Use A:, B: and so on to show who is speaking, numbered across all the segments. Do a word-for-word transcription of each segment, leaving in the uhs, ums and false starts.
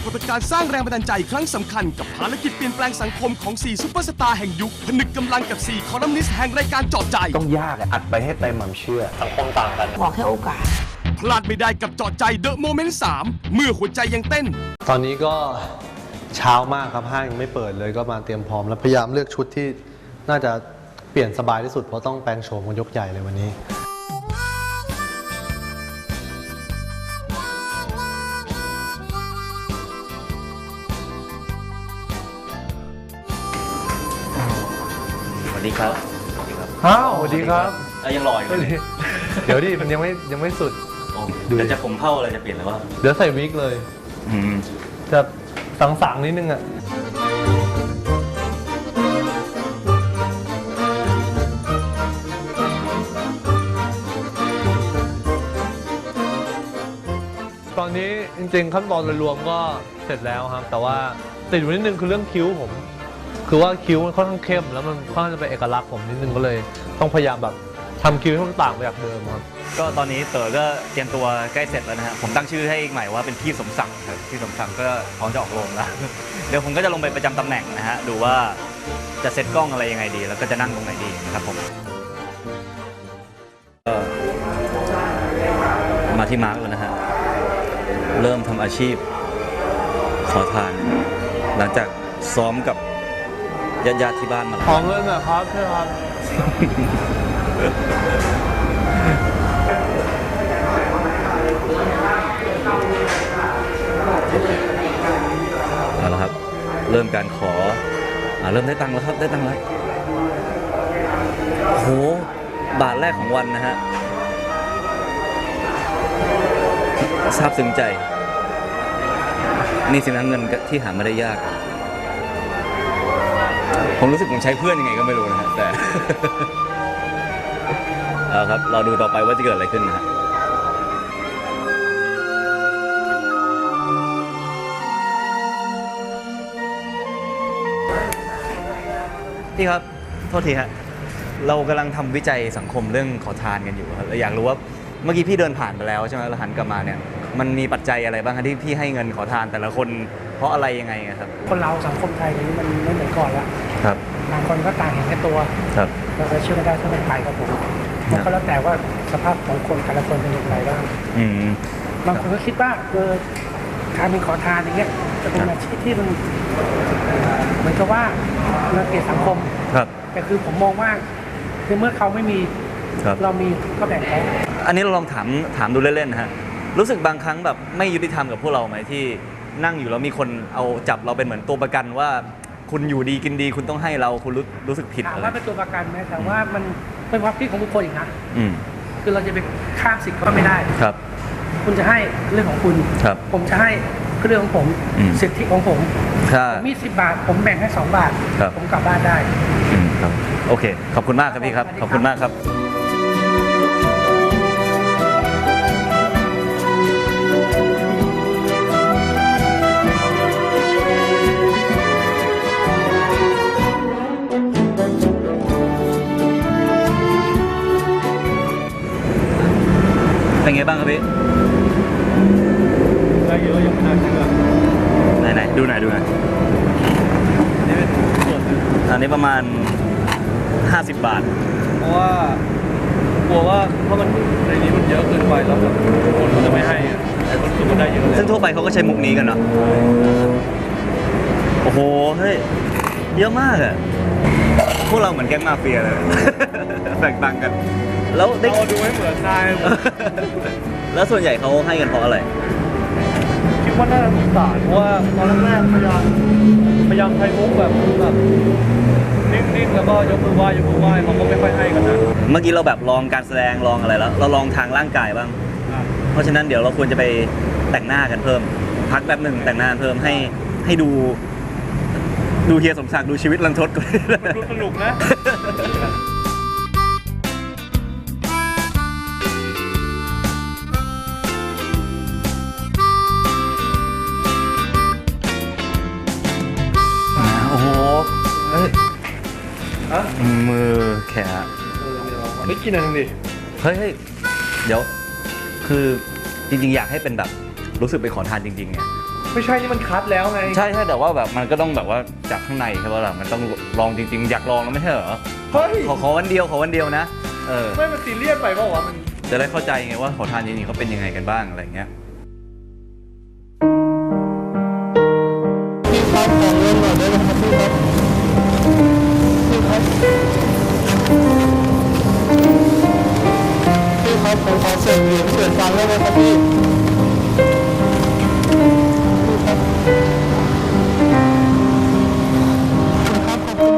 A: ากฏการณ์สร้างแรงบันดาลใจครั้งสำคัญกับภารกิจเปลี่ยนแปลงสังคมของสี่ซุปเปอร์สตาร์แห่งยุคผนึกกำลังกับสี่คอลัมนิสต์แห่งรายการเจาะใจ
B: ต้องยากอัดไปให้เต็มความเชื่อสังคมต่างกัน
C: ขอแค่โอกาส
A: พลาดไม่ได้กับเจาะใจเดอะโมเมนต์สามเมื่อหัวใจยังเต้น
D: ตอนนี้ก็เช้ามากครับห้างยังไม่เปิดเลยก็มาเตรียมพร้อมแล้วพยายามเลือกชุดที่น่าจะเปลี่ยนสบายที่สุดเพราะต้องแปลงโฉมกันยกใหญ่เลยวันนี้
E: สวัสดีครับ
D: อ้าวสวัสดีครับ
E: ยังหล่ออยู่เลย
D: เดี๋ยวดิมันยังไม่ยังไม่สุด
E: แต่จะผมเผ่าอะไรจะเปลี่ยนหรือว่า
D: เดี๋ยวใส่วิกเลยจะสังๆนิดนึงอ่ะตอนนี้จริงๆขั้นตอนโดยรวมก็เสร็จแล้วครับแต่ว่าติดอยู่นิดนึงคือเรื่องคิ้วผมคือว่าคิ้วมันค่อนข้างเข้มแล้วมันค่อนข้างจะเป็นเอกลักษณ์ผมนิดนึงก็เลยต้องพยายามแบบทำคิ้วให้มันต่างไปจากเดิมครับ
E: ก็ตอนนี้เต๋อก็เตรียมตัวใกล้เสร็จแล้วนะฮะผมตั้งชื่อให้ใหม่ว่าเป็นพี่สมศักดิ์ครับพี่สมศักดิ์ก็พร้อมจะออกโรงแล้วเดี๋ยวผมก็จะลงไปประจำตำแหน่งนะฮะดูว่าจะเซตกล้องอะไรยังไงดีแล้วก็จะนั่งตรงไหนดีครับผมมาที่มาร์กแล้วนะฮะเริ่มทำอาชีพขอทานหลังจากซ้อมกับญาติๆที่บ้านมาแล้ว
D: ขอเงินนะครับใช่ครับ
E: เอาละครับเริ่มการขออ่าเริ่มได้ตังค์แล้วครับได้ตังค์แล้วโหบาทแรกของวันนะฮะซาบซึ้งใจนี่สินะเงินที่หามาได้ยากผมรู้สึกผมใช้เพื่อนยังไงก็ไม่รู้นะฮะแต่ เอาครับเราดูต่อไปว่าจะเกิดอะไรขึ้นนะฮะพี่ครับโทษทีฮะเรากำลังทำวิจัยสังคมเรื่องขอทานกันอยู่ครับเราอยากรู้ว่าเมื่อกี้พี่เดินผ่านไปแล้วใช่ไหมเราหันกลับมาเนี่ยมันมีปัจจัยอะไรบ้างครับที่พี่ให้เงินขอทานแต่ละคนเพราะอะไรยังไงครับ
C: คนเราสังคมไทยนี้มันไม่เหมือนก่อนแล้ว
E: ครับ
C: บางคนก็ต่างเห็นแค่ตัว
E: ครับ
C: เราจะเชื่อไม่ได้ถ้าเป็นไปครับผมมันก็แล้วแต่ว่าสภาพของคนแต่ละคนเป็นอย่างไรบ้างบางคนก็คิดว่าเออการเป็นขอทานอย่างเงี้ยจะเป็นอาชีพที่มันเหมือนกับว่าเราเกลียดสังคม
E: ครับ
C: แต่คือผมมองว่าคือเมื่อเขาไม่มีเรามีก็แบ่งเขา
E: อันนี้เราลองถามถามดูเล่นๆนะฮะรู้สึกบางครั้งแบบไม่ยุติธรรมกับพวกเราไหมที่นั่งอยู่แล้วมีคนเอาจับเราเป็นเหมือนตัวประกันว่าคุณอยู่ดีกินดีคุณต้องให้เราคุณรู้รู้สึกผิด
C: ถาม
E: อะไร
C: ว่าเป็นตัวประกันไหมแต่ว่ามันเป็นความคิดของบุคคลอีกนะ
E: อืม
C: คือเราจะไปข้ามสิทธิ์ก็ไม่ได้
E: ครับ
C: คุณจะให้เรื่องของคุณ
E: ครับ
C: ผมจะให้เรื่องของผมสิทธิของผมมีสิบบาทผมแบ่งให้สองบาทผมกลับบ้านได้
E: ครับโอเคขอบคุณมากครับพี่ครับขอบคุณมากครับเป็นไงบ้างครับพี่
D: ได้เยอะยังไม่น่าเชื่อ
E: ไหนๆดูหน่อยดูหน่อย
D: นี่เป็นส่วน
E: อันนี้ประมาณห้าสิบบาท
D: เพราะว่ากลัวว่าถ้ามันในนี้มันเยอะเกินไปแล้วแบบคนมันจะไม่ให้แต่คนคือมันได้เยอะ
E: ซึ่งทั่วไปเขาก็ใช้มุกนี้กันเนาะโอ้โหเฮ้ยเยอะมากอะพวกเราเหมือนแก๊งมาเฟียเลยแบ่งตังค์กันแล้วได้
D: ดูให้เหมือนนาย
E: แล้วส่วนใหญ่เขาให้กันเพราะอะไร
D: คิดว่าน่าจะสงสารเพราะว่าตอนแรกๆพยายามพยายามใช้มุกแบบแบบนิ่งๆแล้วก็ยกมือไหว้ยกมือไหว้เขาก็ไม่ค่อยให้กันนะ
E: เมื่อกี้เราแบบลองการแสดงลองอะไรแล้วเราลองทางร่างกายบ้างเพราะฉะนั้นเดี๋ยวเราควรจะไปแต่งหน้ากันเพิ่มพักแป๊บหนึ่งแต่งหน้าเพิ่มให้ให้ดูดูเฮียสมศักดิ์ดูชีวิตรันทดก่อน
D: ดูสนุกนะ
E: โอ้โหมือแขน
D: ไม่กินอะไรดิ
E: เฮ้ยเดี๋ยวคือจริงๆอยากให้เป็นแบบรู้สึกไปขอทานจริงๆเนี่ย
D: ไม่ใช่นี่มันคัดแล้วไง
E: ใช่ใช่แต่ว่าแบบมันก็ต้องแบบว่าจากข้างในใช่ป่ะล่ะมันต้องลองจริงๆอยากลองแล้วไม่ใช่เหรอ
D: เฮ้ย
E: ขอขอวันเดียวขอวันเดียวนะเออ
D: ไม่มันซีเรียสไปเปล่าวะมัน
E: จะได้เข้าใจไงว่าขอทานจริงๆเขาเป็นยังไงกันบ้างอะไรเงี้ย
F: พี่ครับขอเงินหน่อยได้ไหมครับพี่ครับพี่ครับพี่ครับผมขอเศษเหรียญเศษตังค์ได้ไหมครับพี่พี่ครับครับขอบคุณ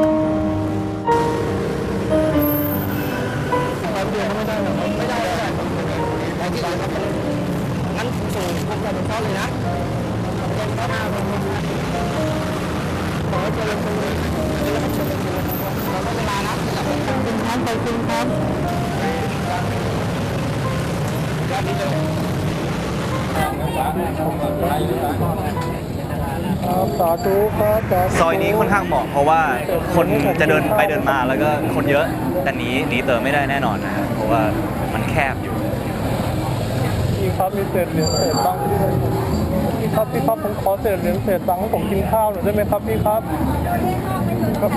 F: ครับเดือนไม่ได้หรอไม่ได้ไม่ได้เอาที่ไหนครับงั้นส่งพวกเราเป็นข้อเลยนะขอเจริญสุขเราก็เวลานะขอบคุณครับขอบคุณครับสาธุครับสาธุ
E: ซอยนี้ค่อนข้างเหมาะเพราะว่าคนจะเดินไปเดินมาแล้วก็คนเยอะแต่หนีหนีเติมไม่ได้แน่นอนนะครับเพราะว่ามันแคบอยู่
F: พี่ครับมีเศษเหรียญเศษตังค์พี่ครับพี่ครับผมขอเศษเหรียญเศษตังค์ให้ผมกินข้าวหน่อยได้ไหมครับพี่ครับครับ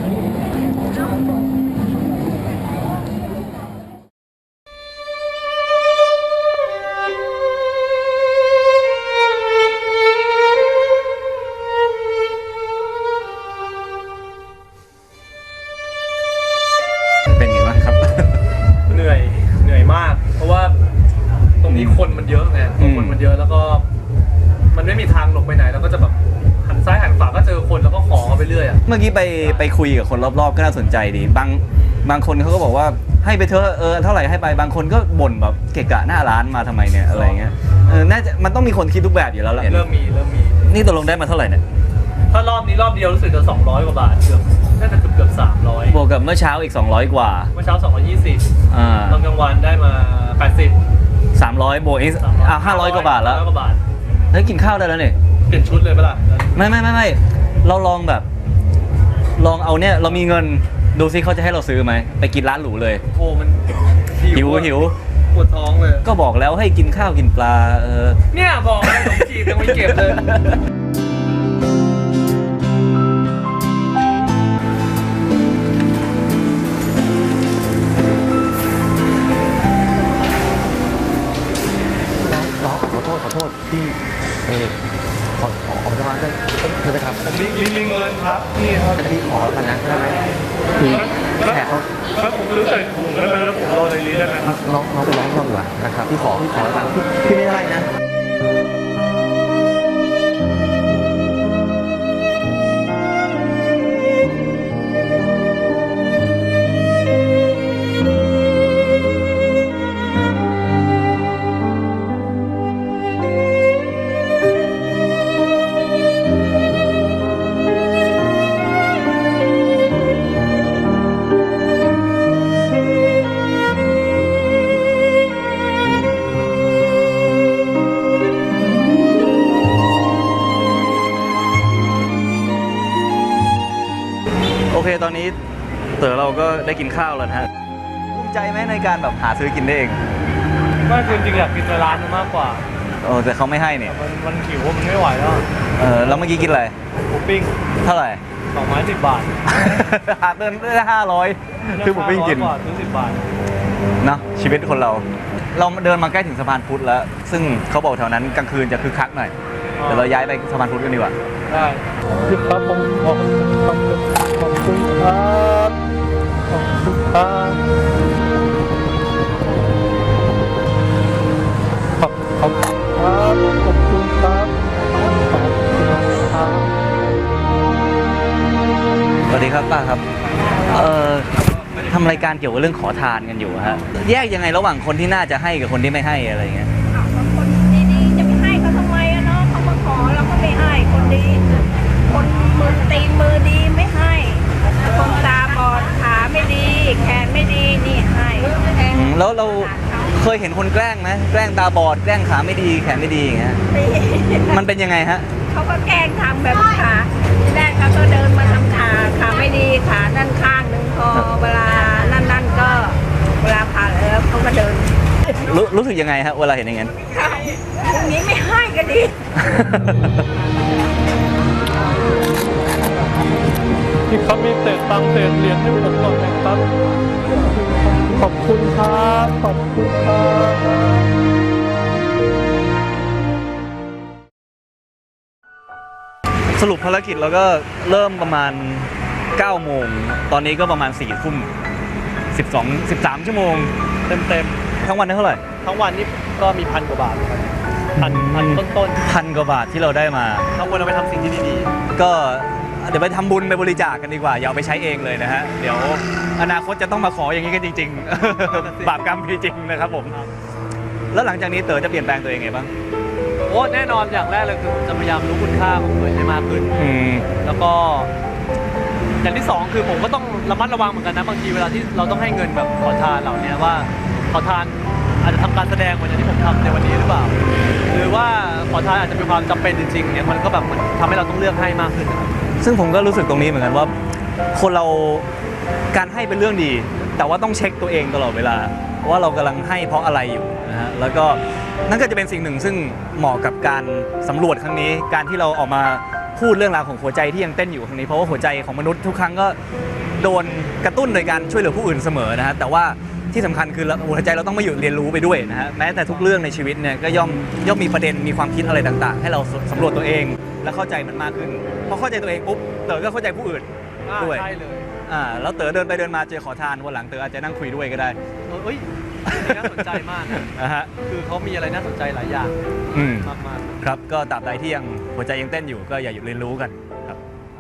E: เป็นไงบ้างครับ
D: เหนื่อยเหนื่อยมาก เพราะว่าตรงนี้คนมันเยอะไง
E: อืม
D: คนมันเยอะแล้วก็มันไม่มีทางหลบไปไหนแล้วก็จะแบบหันซ้ายหันขวาก็เจอคนแล้วก็ขอเขาไปเรื่อยอ่ะ
E: เมื่อกี้ไปไปคุยกับคนรอบๆก็น่าสนใจดีบางบางคนเขาก็บอกว่าให้ไปเถอะเออเท่าไหร่ให้ไปบางคนก็บ่นแบบเกะกะหน้าร้านมาทำไมเนี่ยอะไรเงี้ยเออน่าจะมันต้องมีคนคิดทุกแบบอยู่แล้วแหละ
D: เริ่มมีเริ่มมี
E: นี่ตกลงได้มาเท่าไหร่เนี่ย
D: ถ้ารอบนี้รอบเดียวรู้สึกจะสองร้อยกว่าบาทเกือบน่าจะเกือบเกือบสามร้อย
E: บวกกับเมื่อเช้าอีกสองร้อยกว่า
D: เมื่อเช้าสองร้อยยี่สิบ
E: อ่า
D: ตอนกลางวันได้มาแปดสิบ
E: สามร้อยบวกอีกอ่าห้าร้อยกว่าบาทแล้ว
D: ห้าร้อยกว่าบาท
E: เฮ้ยกินข้าวได้แล้วเนี่ย
D: เปลี่ยนชุดเลยปะล่ะ
E: ไม่ไม่ไม่ไม่เราลองแบบ ลองเอาเนี่ยเรามีเงินดูซิเขาจะให้เราซื้อไหมไปกินร้านหรูเลย
D: โอ้มัน
E: หิว
D: อะ
E: หิว
D: ปวดท้องเลย
E: ก็บอกแล้วให้กินข้าวกินปลาเออ
D: เนี่ยบอกเลยขนมจีบยังไม่เก็บเลย
B: ขอโทษขอโทษที่เออขอขอขอจะมาได้เธอไปทำ
D: ผมมีมีมีเงินครับนี่ครับ
B: พี่ขอกันนะได้ไหมคือแขกเขา
D: แล้วผมรู้สึกผมแล้วแล้วผมรอในนี้ได้ไหมครับ
B: น้องน้องไปร้องรอบดีกว่านะครับพี่ขอพี่ขอตังค์พี่พี่ไม่ได้นะ
E: โอเคตอนนี้เต๋อเราก็ได้กินข้าวแล้วนะฮะภูมิใจไหมในการแบบหาซื้อกินได้เอง
D: ไม่คือจริงๆอยากกินในร้านมันมากกว่า
E: โอ้แต่เขาไม่ให้เนี่ย
D: มันมันหิวว่ามันไม่ไหวแล้ว
E: เออแล้วเมื่อกี้กินอะไร
D: หมูปิ้ง
E: เท่าไหร่
D: สองไม้สิบบาท
E: หาเดินได้ห้าร้อยซื้อหมูปิ้งกิน
D: ห้าร้อยว่าซื้อสิบบาท
E: เนอะชีวิตคนเรา เราเดินมาใกล้ถึงสะพานพุทธแล้ว ซึ่งเขาบอกแถวนั้นกลางคืนจะคึกคักหน่อยเดี๋ยวเราย้ายไปสะพานพุทธกันดีกว่า
D: ได้
F: พี่ครับผมขอบคุณครับขอบคุณครับขอบคุณครับขอบขอบครับขอบคุณครับขอบคุณครับ
E: สวัสดีครับป้าครับ เอ่อทำรายการเกี่ยวกับเรื่องขอทานกันอยู่ฮะ แยกยังไงระหว่างคนที่น่าจะให้กับคนที่ไม่ให้อะไรเงี้ย
G: คนดีๆจะไปให้เขาทำไมอะเนาะเขามาขอเราก็ไม่ให้คนดี คนมือตีนมือดีไม่ให้ คนตาบอดขาไม่ดีแขนไม่ดีนี่ให้แทน
E: อืมแล้วเราเคยเห็นคนแกล้งไหมแกล้งตาบอดแกล้งขาไม่ดีแขนไม่ดีอย่างเงี้ย
G: ตี
E: มันเป็นยังไงฮะ
G: เขาก็แกล้งทำแบบขาทีแรกเขาก็เดินมาทำขาขาไม่ดีขาด้านข้างหนึ่งพอเวลานั่นนั่นๆก็เวลาผ่านแล้วเขาก็เดิน
E: รู้รู้สึกยังไงฮะเวลาเห็นอย่างนั้น
G: เอย่างนี้ไม่ให้ก็ดี
F: พี่ครับมีเศษตังค์เศษเหรียญให้ผมก่อนนะครับ ขอบคุณครับ ขอบคุณครับ
E: สรุปภารกิจเราก็เริ่มประมาณเก้าโมงตอนนี้ก็ประมาณสี่ทุ่มสิบสองสิบสามชั่วโมงเต็มเต็มๆทั้งวันได้เท่าไหร่
D: ทั้งวันนี่ก็มีพันกว่าบาทครับพันพันต้น
E: พันกว่าบาทที่เราได้มา
D: ๆทั้งวันเอาไปทำสิ่งที่ดี
E: ก็เดี๋ยวไปทำบุญไปบริจาคกันดีกว่าอย่าเอาไปใช้เองเลยนะฮะเดี๋ยวอนาคตจะต้องมาขออย่างนี้กันจริงๆ บาปกรรมมีจริงนะครับผมแล้วหลังจากนี้เต๋อจะเปลี่ยนแปลงตัวเองไงบ้าง
D: ๆโอ้แน่นอนอย่างแรกเลยคือผมจะพยายามรู้คุณค่าของตัวเองให้มากขึ้น
E: อืม
D: แล้วก็อย่างที่สองคือผมก็ต้องระมัดระวังเหมือนกันนะบางทีเวลาที่เราต้องให้เงินแบบขอทานเหล่านี้ว่าขอทานอาจจะทำการแสดงเหมือนอย่างที่ผมทำในวันนี้หรือเปล่า หรือว่าขอทานอาจจะมีความจำเป็นจริงๆเนี่ยมันก็แบบมันทำให้เราต้องเลือกให้มากขึ้นนะครับ
E: ซึ่งผมก็รู้สึกตรงนี้เหมือนกันว่า คนเราการให้เป็นเรื่องดี แต่ว่าต้องเช็คตัวเองตลอดเวลาว่าเรากำลังให้เพราะอะไรอยู่นะฮะแล้วก็นั่นก็จะเป็นสิ่งหนึ่งซึ่งเหมาะกับการสำรวจครั้งนี้ การที่เราออกมาพูดเรื่องราวของหัวใจที่ยังเต้นอยู่ครั้งนี้เพราะว่าหัวใจของมนุษย์ทุกครั้งก็โดนกระตุ้นโดยการช่วยเหลือผู้อื่นเสมอนะฮะแต่ว่าที่สำคัญคือหัวใจเราต้องมาอยู่เรียนรู้ไปด้วยนะฮะแม้แต่ทุกเรื่องในชีวิตเนี่ยก็ย่อมย่อมมีประเด็นมีความคิดอะไรต่างๆ ให้เราสำรวจตัวเองและเข้าใจมันมากขึ้นพอเข้าใจตัวเองปุ๊บเต๋อก็เข้าใจผู้อื่นด้วย
D: ใช่เลย
E: อ่าแล้วเต๋อเดินไปเดินมาเจอขอทานวันหลังเต๋ออาจจะนั่งคุยด้วยก็ได้
D: เอ้ยน่าสนใจมากนะ
E: นะฮะ
D: คือเขามีอะไรน่าสนใจหลายอย่าง
E: อืม
D: มาก
E: ครับก็ตราบใดที่ยังหัวใจยังเต้นอยู่ก็อย่าหยุดเรียนรู้กันครับ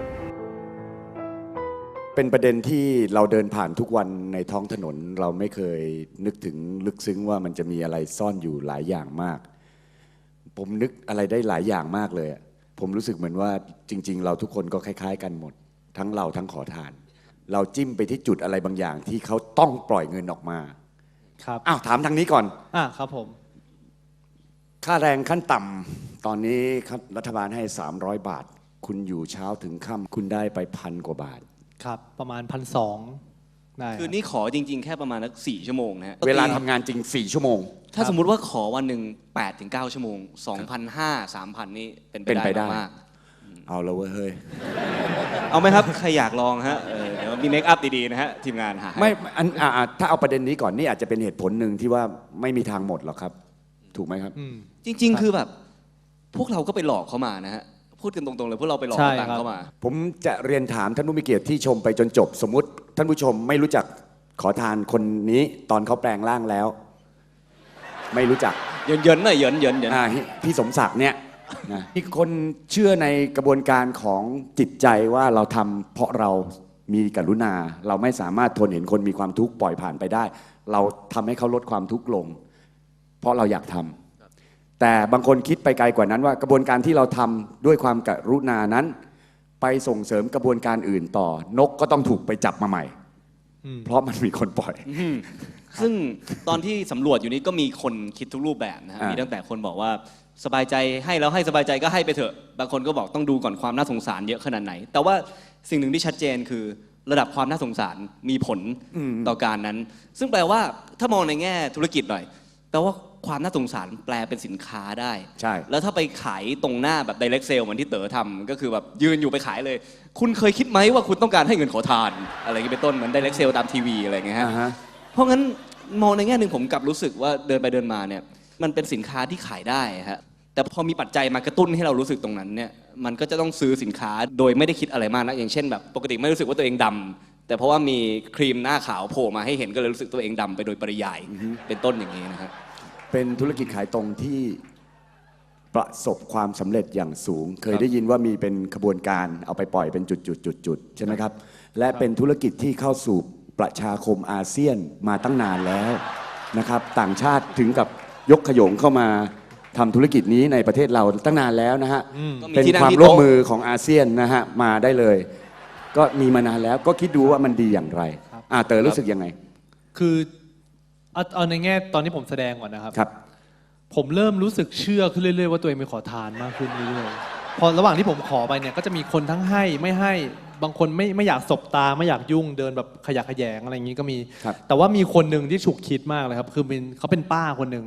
H: เป็นประเด็นที่เราเดินผ่านทุกวันในท้องถนนเราไม่เคยนึกถึงลึกซึ้งว่ามันจะมีอะไรซ่อนอยู่หลายอย่างมาก ผมนึกอะไรได้หลายอย่างมากเลยอะผมรู้สึกเหมือนว่าจริงๆเราทุกคนก็คล้ายๆกันหมด ทั้งเราทั้งขอทาน เราจิ้มไปที่จุดอะไรบางอย่างที่เขาต้องปล่อยเงินออกมา
B: ครับ
H: อ้าวถามทางนี้ก่อน
B: อ่าครับผม
H: ค่าแรงขั้นต่ำตอนนี้ครับรัฐบาลให้สามร้อยบาท คุณอยู่เช้าถึงค่ำคุณได้ไปพันกว่าบาท
B: ครับประมาณพันสองได้
I: คือนี่ขอจริงๆ แค่ประมาณสักสี่ชั่วโมงนะฮะ
H: เวลาทำงานจริงสี่ชั่วโมง
I: ถ้าสมมุติว่าขอวันหนึ่งแปดถึงเก้าชั่วโมง สองพันห้าร้อย สามพัน นี่เป็น
H: เป็นไป
I: ไป
H: ได้
I: ได้มาก
H: เอาแล้วเว้ยเฮ้ย
I: ๆเอาไหมครับ ใครอยากลองฮะเออเดี๋ยวมีเมคอัพดีๆนะฮะ ทีมงานหาให้
H: ไม่อันอ่าอ่าถ้าเอาประเด็นนี้ก่อนนี่อาจจะเป็นเหตุผลหนึ่งที่ว่าไม่มีทางหมดหรอกครับ ถูกไหมครับ
B: อืม
I: จริง ๆ คือแบบ พวกเราก็ไปหลอกเขามานะฮะ พูดกันตรงๆเลยพวกเราไปหลอก
B: ใช่
I: เอาตัง
B: ครั
I: ค์
B: บ
I: เข้ามา
H: ผมจะเรียนถามท่านผู้มีเกียรติที่ชมไปจนจบ สมมุติท่านผู้ชมไม่รู้จักขอทานคนนี้ตอนเขาแปลงร่างแล้ว ไม่รู้จัก
I: เยินๆหน่อยเยินๆเยิน
H: อ่าพี่สมศักดิ์เนี่ยนะมีคนเชื่อในกระบวนการของจิตใจว่าเราทำเพราะเรามีกรุณา เราไม่สามารถทนเห็นคนมีความทุกข์ปล่อยผ่านไปได้ เราทำให้เขาลดความทุกข์ลง เพราะเราอยากทำแต่บางคนคิดไปไกลกว่านั้นว่ากระบวนการที่เราทำด้วยความกรุณานั้น ไปส่งเสริมกระบวนการอื่นต่อนกก็ต้องถูกไปจับมาใหม่ เพราะมันมีคนปล่อย
I: อืมซึ่งตอนที่สำรวจอยู่นี้ก็มีคนคิดทุกรูปแบบนะฮะ
H: อ่ามี
I: มีตั้งแต่คนบอกว่าสบายใจให้แล้วให้สบายใจก็ให้ไปเถอะ บางคนก็บอกต้องดูก่อนความน่าสงสารเยอะขนาดไหน แต่ว่าสิ่งหนึ่งที่ชัดเจนคือระดับความน่าสงสารมีผลต่อการนั้น ซึ่งแปลว่าถ้ามองในแง่ธุรกิจหน่อยแปลว่าความน่าสงสารแปลเป็นสินค้าได้
H: ใช่
I: แล้วถ้าไปขายตรงหน้าแบบ direct sale เหมือนที่เต๋อทำก็คือแบบยืนอยู่ไปขายเลย คุณเคยคิดไหมว่าคุณต้องการให้เงินขอทาน อะไรอย่างนี้เป็นต้นเหมือน direct sale ตามทีวีอะไรอย่างเงี้ยฮะ
H: อ่าฮะ
I: เพราะงั้นมองในแง่หนึ่งผมกลับรู้สึกว่าเดินไปเดินมาเนี่ยมันเป็นสินค้าที่ขายได้ฮะแต่พอมีปัจจัยมากระตุ้นให้เรารู้สึกตรงนั้นเนี่ยมันก็จะต้องซื้อสินค้าโดยไม่ได้คิดอะไรมากนะอย่างเช่นแบบปกติไม่รู้สึกว่าตัวเองดำแต่เพราะว่ามีครีมหน้าขาวโผล่มาให้เห็นก็เลยรู้สึกตัวเองดำไปโดยปริยายเป็นต้นอย่างนี้นะครับ
H: เป็นธุรกิจขายตรงที่ประสบความสำเร็จอย่างสูง เคยได้ยินว่ามีเป็นขบวนการเอาไปปล่อยเป็นจุดๆๆๆใช่ไหมครับ และเป็นธุรกิจที่เข้าสู่ประชาคมอาเซียนมาตั้งนานแล้วนะครับ ต่างชาติถึงกับยกขยงเข้ามาทำธุรกิจนี้ในประเทศเราตั้งนานแล้วนะฮะ
I: ก็มี
H: เป็น
I: ที่นั่ง
H: ความ
I: ที่
H: ร่วม
I: โต๊ะ
H: มือของอาเซียนนะฮะมาได้เลย ก็มีมานานแล้วก็คิดดูว่ามันดีอย่างไรอ่าเต๋อรู้สึกยังไง
B: คือเอาเอาในแง่ตอนที่ผมแสดงก่อนนะครับ
H: ครับ
B: ผมเริ่มรู้สึกเชื่อขึ้นเรื่อยๆว่าตัวเองเป็นขอทานมากขึ้นเรื่อยๆพอระหว่างที่ผมขอไปเนี่ยก็จะมีคนทั้งให้ไม่ให้บางคนไม่ไม่อยากสบตาไม่อยากยุ่งเดินแบบขยะแขยงอะไรอย่างนี้ก็มี
H: ครับ
B: แต่ว่ามีคนหนึ่งที่ฉุกคิดมากเลยครับคือเป็นเขาเป็นป้าคนหนึ่ง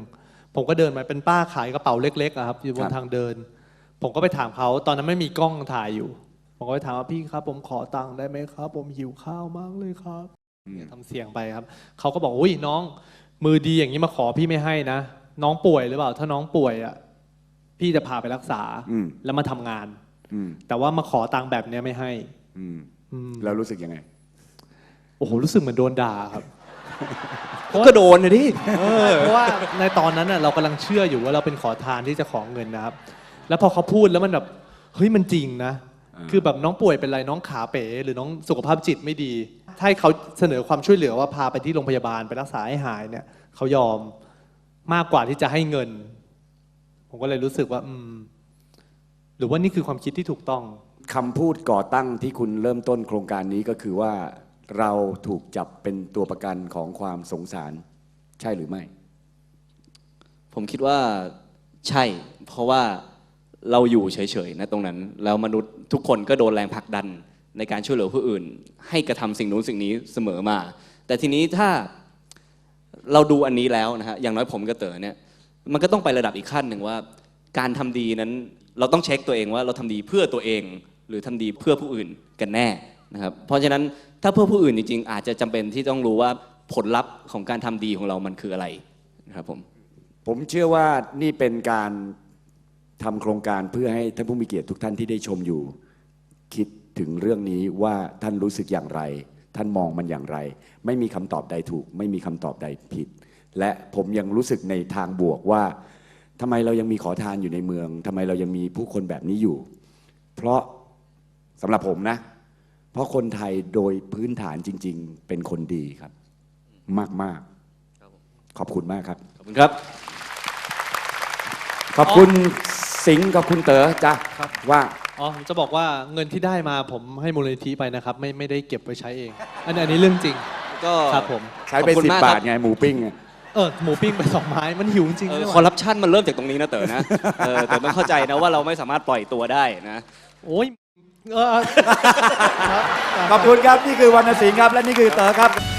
B: ผมก็เดินมาเป็นป้าขายกระเป๋าเล็กๆอะครับอยู่บนทางเดิน ผมก็ไปถามเขาตอนนั้นไม่มีกล้องถ่ายอยู่ ผมก็ไปถามว่าพี่ครับ ผมขอตังค์ได้ไหมครับ ผมหิวข้าวมากเลยครับทำเสียงไปครับเขาก็บอกอุ้ยน้องมือดีอย่างนี้มาขอพี่ไม่ให้นะ น้องป่วยหรือเปล่าถ้าน้องป่วยอ่ะพี่จะพาไปรักษาแล้วมาทำงานแต่ว่ามาขอตังค์แบบนี้ไม่ให้
H: แล้วรู้สึกยังไง
B: โอ้โหรู้สึกเหมือนโดนด่าครับ
I: ก็โดนเลยดิ
B: เพราะว่าในตอนนั้นเรากำลังเชื่ออยู่ว่าเราเป็นขอทานที่จะขอเงินนะครับแล้วพอเขาพูดแล้วมันแบบเฮ้ยมันจริงนะคือแบบน้องป่วยเป็นไรน้องขาเป๋หรือน้องสุขภาพจิตไม่ดีถ้าให้เขาเสนอความช่วยเหลือว่าพาไปที่โรงพยาบาลไปรักษาให้หายเนี่ยเขายอมมากกว่าที่จะให้เงินผมก็เลยรู้สึกว่าอืมหรือว่านี่คือความคิดที่ถูกต้อง
H: คำพูดก่อตั้งที่คุณเริ่มต้นโครงการนี้ก็คือว่าเราถูกจับเป็นตัวประกันของความสงสารใช่หรือไม่
I: ผมคิดว่าใช่เพราะว่าเราอยู่เฉยๆนะตรงนั้นแล้วมนุษย์ทุกคนก็โดนแรงผลักดันในการช่วยเหลือผู้อื่นให้กระทำสิ่งนู้นสิ่งนี้เสมอมาแต่ทีนี้ถ้าเราดูอันนี้แล้วนะฮะอย่างน้อยผมกับเต๋อเนี่ยมันก็ต้องไประดับอีกขั้นหนึ่งว่าการทำดีนั้นเราต้องเช็คตัวเองว่าเราทำดีเพื่อตัวเองหรือทำดีเพื่อผู้อื่นกันแน่นะครับเพราะฉะนั้นถ้าเพื่อผู้อื่นจริงๆอาจจะจำเป็นที่ต้องรู้ว่าผลลัพธ์ของการทำดีของเรามันคืออะไรนะครับผม
H: ผมเชื่อว่านี่เป็นการทำโครงการเพื่อให้ท่านผู้มีเกียรติทุกท่านที่ได้ชมอยู่คิดถึงเรื่องนี้ว่าท่านรู้สึกอย่างไรท่านมองมันอย่างไรไม่มีคำตอบใดถูกไม่มีคำตอบใดผิดและผมยังรู้สึกในทางบวกว่าทำไมเรายังมีขอทานอยู่ในเมืองทำไมเรายังมีผู้คนแบบนี้อยู่เพราะสำหรับผมนะเพราะคนไทยโดยพื้นฐานจริงๆเป็นคนดีครับมากๆขอบคุณมากครับ
I: ขอบคุณครับ
H: ขอบคุณสิงห์กับคุณเต๋อจ้ะว่า
B: อ๋อผมจะบอกว่าเงินที่ได้มาผมให้มูลนิธิไปนะครับไม่ไม่ได้เก็บไว้ใช้เองอันนี้อันนี้เรื่องจริง
I: ก็
B: ครับผม
H: ใช้ไปสิบบาทไงหมูปิ้ง
B: เออหมูปิ้งไปสองไม้มันหิวจริง
I: คอร์รัปชันมันเริ่มจากตรงนี้นะเต๋อนะเออแต่ต้องเข้าใจนะว่าเราไม่สามารถปล่อยตัวได้นะ
B: โอ้ย
H: ขอบคุณครับนี่คือวรรณสิงห์ครับและนี่คือเต๋อครับ